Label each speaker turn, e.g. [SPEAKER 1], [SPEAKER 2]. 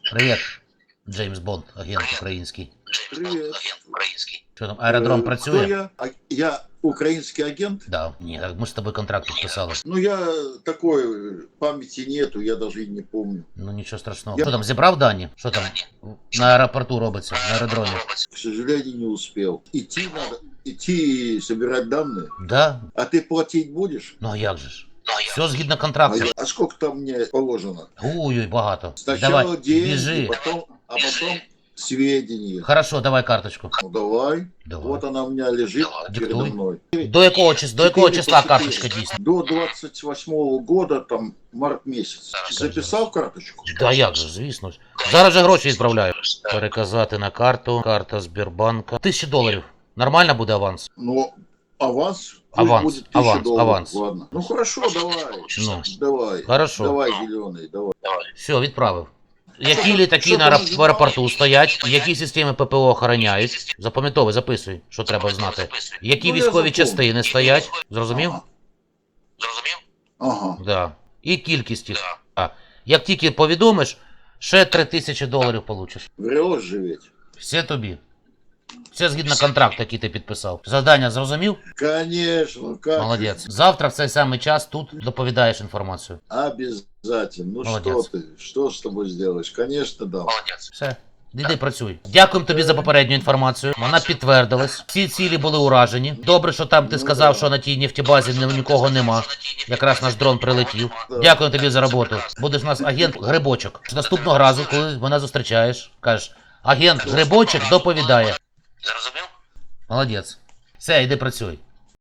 [SPEAKER 1] Привіт, Джеймс Бонд, агент український.
[SPEAKER 2] Привет.
[SPEAKER 1] Що там, аеродром
[SPEAKER 2] Кто
[SPEAKER 1] працює?
[SPEAKER 2] я? Я украинский агент.
[SPEAKER 1] Да. Ні, так ми з тобою контракт підписали.
[SPEAKER 2] Ну, я такой, памяти нету, я даже и не помню.
[SPEAKER 1] Ну нічого страшного.
[SPEAKER 2] Я-
[SPEAKER 1] Що там, зібрав дані? Що там на аеропорту робиться, на аеродромі?
[SPEAKER 2] К сожалению, не успел. Идти и собирать данные.
[SPEAKER 1] Да?
[SPEAKER 2] А ты платить будешь?
[SPEAKER 1] Ну а як же ж? Все згідно контракту.
[SPEAKER 2] А сколько там мне положено?
[SPEAKER 1] Ой-ой, багато.
[SPEAKER 2] Сначала
[SPEAKER 1] Давай,
[SPEAKER 2] деньги,
[SPEAKER 1] біжи.
[SPEAKER 2] а потом сведения.
[SPEAKER 1] Хорошо, давай карточку.
[SPEAKER 2] Ну, давай.
[SPEAKER 1] Давай.
[SPEAKER 2] Вот она у меня лежит передо
[SPEAKER 1] Диктуй.
[SPEAKER 2] мной.
[SPEAKER 1] До якого числа
[SPEAKER 2] 4
[SPEAKER 1] карточка дійсна?
[SPEAKER 2] До 28 года, там, март месяц. Записал карточку?
[SPEAKER 1] Да як же, звісно ж. Зараз же гроші відправляю. Переказати на карту. Карта Сбербанка. $1000. Нормально буде аванс?
[SPEAKER 2] Ну, аванс. Пусть
[SPEAKER 1] Аванс,
[SPEAKER 2] будет 1000
[SPEAKER 1] аванс,
[SPEAKER 2] долларов.
[SPEAKER 1] аванс.
[SPEAKER 2] Ладно. Ну хорошо, давай.
[SPEAKER 1] Ну,
[SPEAKER 2] Давай.
[SPEAKER 1] хорошо.
[SPEAKER 2] Давай, зеленый, давай.
[SPEAKER 1] Все, відправив. Які літаки в аеропорту стоять, які системи ППО охороняють. Запам'ятовуй, записуй, що треба знати. Які
[SPEAKER 2] Ну, я
[SPEAKER 1] військові
[SPEAKER 2] запомню.
[SPEAKER 1] частини стоять. Зрозумів?
[SPEAKER 2] Ага.
[SPEAKER 1] Да. І кількість їх. А. Як тільки повідомиш, ще $3000 получиш.
[SPEAKER 2] Врешь же ведь.
[SPEAKER 1] Все тобі. Все згідно контракту, який ти підписав. Завдання зрозумів?
[SPEAKER 2] Конечно. Как
[SPEAKER 1] Молодець. Завтра в цей самий час тут доповідаєш інформацію.
[SPEAKER 2] Обязательно. Ну
[SPEAKER 1] Молодец.
[SPEAKER 2] что ты? Что с тобой сделаешь? Конечно, да.
[SPEAKER 1] Все. Іди працюй. Дякуємо тобі за попередню інформацію. Вона підтвердилась. Всі цілі були уражені. Добре, що там ти сказав, що на тій нефтебазі нікого нема. Якраз наш дрон прилетів. Дякую тобі за роботу. Будеш у нас агент Грибочок. Наступного разу, коли мене зустрічаєш, кажеш, агент Грибочок доповідає.
[SPEAKER 3] Зрозумів?
[SPEAKER 1] Молодець. Все, йди працюй.